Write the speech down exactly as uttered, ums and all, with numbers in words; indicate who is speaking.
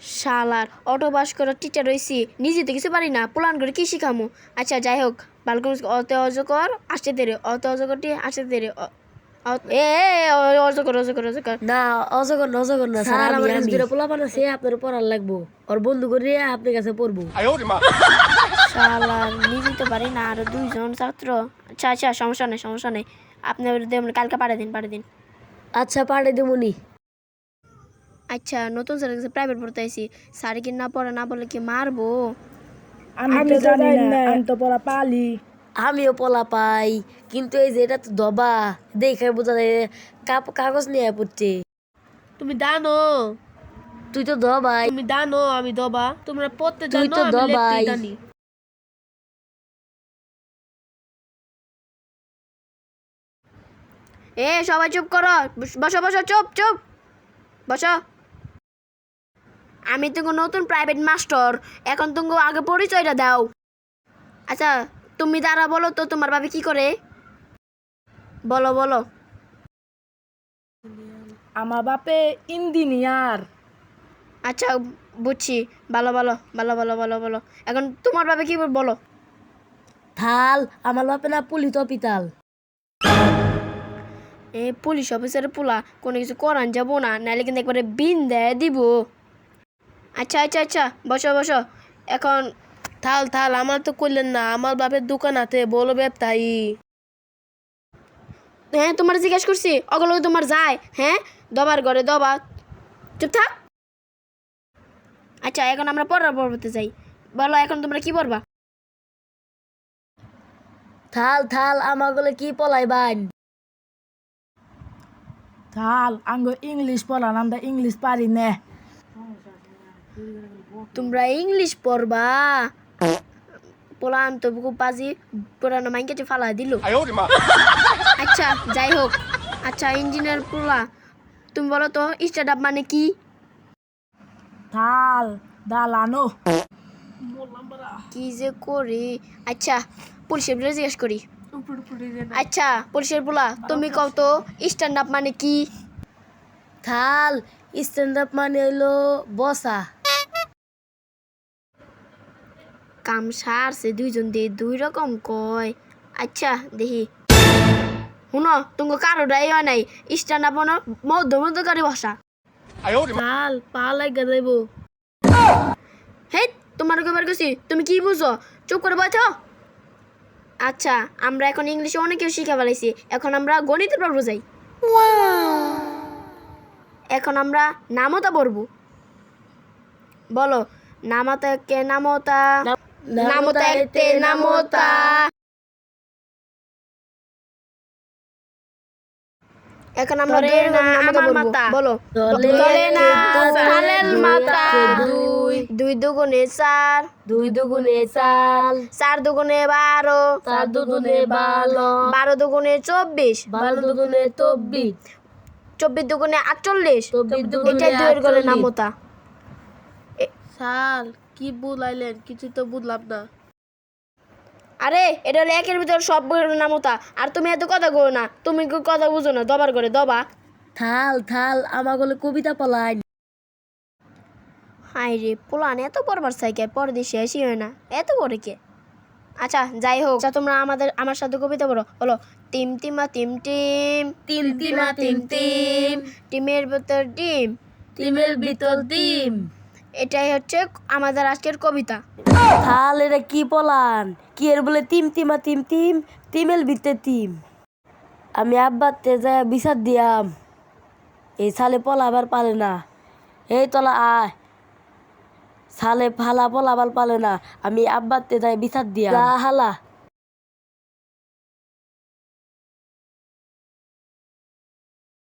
Speaker 1: শালার auto pass করার teacher রয়েছি, নিজে তো কিছু পারি না, প্ল্যান করে কি শিখামো। আচ্ছা যাই হোক, বালকন অত অজকর আসতে দেরে, অত অজকরটি আসতে দেরে, এ অজকর অজকর অজকর
Speaker 2: না অজগর না অজগর না স্যার, আমার কাছে দুটো পোলা বানাছে, আপনার পড়ার লাগবো, ওর বন্ধু করে আপনার কাছে পড়বো।
Speaker 1: শালার নিজে তো পারি না, আরো দুইজন ছাত্র। আচ্ছা আচ্ছা সমস্যা নেই সমস্যা নেই, আপনি কালকে পাঠিয়ে দিন পাঠিয়ে দিন।
Speaker 2: আচ্ছা পাঠিয়ে দেবনি।
Speaker 1: আচ্ছা নতুন স্যারের কাছে প্রাইভেট পড়তে আইছি, স্যার কি না পড়া না বলে কি মারবো?
Speaker 3: আমি তো জানি না, আমি তো পড়া পালি।
Speaker 2: আমিও পোলা পাই, কিন্তু এই যে এটা তো দবা দেখে বোঝা যায় কাগজ নিয়ে পড়ছে।
Speaker 4: তুমি জানো,
Speaker 2: তুই তো দবাই,
Speaker 4: তুমি জানো আমি দবা, তোমরা পড়তে
Speaker 2: তুই
Speaker 4: জানো
Speaker 2: তো
Speaker 4: আমি
Speaker 2: দবাই।
Speaker 4: লিখতে জানি।
Speaker 1: এ সবাই চুপ করো, বসো বসো, চুপ চুপ বসো। আমি তো নতুন প্রাইভেট মাস্টার, এখন তুমি আগে পরিচয়টা দাও। আচ্ছা তুমি দাঁড়া, বলো তো তোমার ভাবে কি করে, বলো বলো।
Speaker 3: আমার বাপে ইঞ্জিনিয়ার।
Speaker 1: আচ্ছা বুঝছি, ভালো ভালো ভালো ভালো ভালো ভালো। এখন তোমার ভাবে কি বলো।
Speaker 2: থাল আমার বাপে না পুলিত পিতাল।
Speaker 1: এ পুলিশ অফিসারের পোলা, কোনো কিছু করান যাবো না, নাহলে কিন্তু একবারে বিন দেয় দিব। আচ্ছা আচ্ছা আচ্ছা বসো বসো এখন।
Speaker 4: থাল থাল আমার তো করলেন না, আমার বাপের দোকান আছে বলো ব্যবসায়ী।
Speaker 1: হ্যাঁ তোমার জিজ্ঞেস করছি, অগলো তোমার যায়, হ্যাঁ দবার ঘরে দবা, চুপ থাক। আচ্ছা এখন আমরা পড়ার পড়তে যাই, বলো এখন তোমরা কি পড়বা।
Speaker 2: থাল থাল আমার গলে কি পলাই বাইন।
Speaker 3: থাল আঙ্গ ইংলিশ পড়ান, আমরা ইংলিশ পারি না।
Speaker 1: তোমরা ইংলিশ পড়বা, পোলান তো খুব বাজি পুরানো মাইকে ফালা দিল। আচ্ছা যাই হোক, আচ্ছা ইঞ্জিনিয়ার পোলা, তুমি বলো তো স্টার্ট আপ মানে কি।
Speaker 3: থাল দালানো।
Speaker 1: কি যে করি। আচ্ছা পুলিশের বিলে জিজ্ঞেস করি। আচ্ছা পুলিশের পোলা তুমি কও তো স্ট্যান্ড আপ মানে কি।
Speaker 2: থাল স্ট্যান্ড আপ মানে হইলো বসা।
Speaker 1: কাম সারছে দুইজন দিয়ে দুই রকম কয়। আচ্ছা দেখি, শুনো তুমি কারোটাই হয় নাই, স্ট্যান্ড আপ মধ্য মধ্যকারী ভাষা।
Speaker 4: থাল পা লাগা যাইবো।
Speaker 1: হে তোমার কবার গেছি, তুমি কি বুঝো, চুপ করে বসো। আচ্ছা আমরা এখন ইংলিশে অনেকেও শিখে ফেলাইছি, এখন আমরা গণিতের পর্ব যাই। এখন আমরা নামতা পড়ব, বলো নামাতা কে নামতা, নামতা কে নামতা। এখন আমরা আমার মাতা, বলো দলে না সালের মাতা। দুই দুই দুগুণে চার,
Speaker 2: দুই দুগুণে চাল,
Speaker 1: চার দুগুণে বারো,
Speaker 2: চার দুগুণে বারো,
Speaker 1: বারো দুগুণে চব্বিশ,
Speaker 2: বারো দুগুণে চব্বিশ,
Speaker 1: চব্বিশ দুগুণে আটচল্লিশ।
Speaker 2: চব্বিশ দুগুণে
Speaker 1: এটাই দুয়ের গলে
Speaker 2: আটচল্লিশ।
Speaker 1: নামতা।
Speaker 4: শাল কি বুঝাইলেন, কিছু তো বুঝলাম না।
Speaker 1: আরে এটা হলো একের ভিতর সব বইয়ের নামতা, আর তুমি এত কথা করো না, তুমি কি কথা বুঝো না, দবার করে দবা।
Speaker 2: থাল থাল আমার গলে কবিতা পলাই।
Speaker 1: হাই রে পোলান এত পড়বার সাইকেল পর দিয়ে শেষই হয় না, এত পড়ে কে। আচ্ছা যাই হোক, আচ্ছা তোমরা আমাদের আমার সাথে কবিতা বলো, বলো টিম টিমা টিম টিম,
Speaker 2: টিম টিমা টিম টিম,
Speaker 1: টিমের ভিতর ডিম,
Speaker 2: টিমের ভিতর ডিম।
Speaker 1: এটাই হচ্ছে আমাদের আজকের কবিতা।
Speaker 2: থাল এটা কি পলান, কি এর বলে টিম টিমা টিম টিম, টিমের ভিতরে টিম। আমি আব্বাতে যায় বিচার দিয়াম, এই সালে পলা আবার পালে না, এই তলা আয় সালে ফালা পলা আবার পালে না, আমি আব্বাতে যায় বিচার দিয়াম। হালা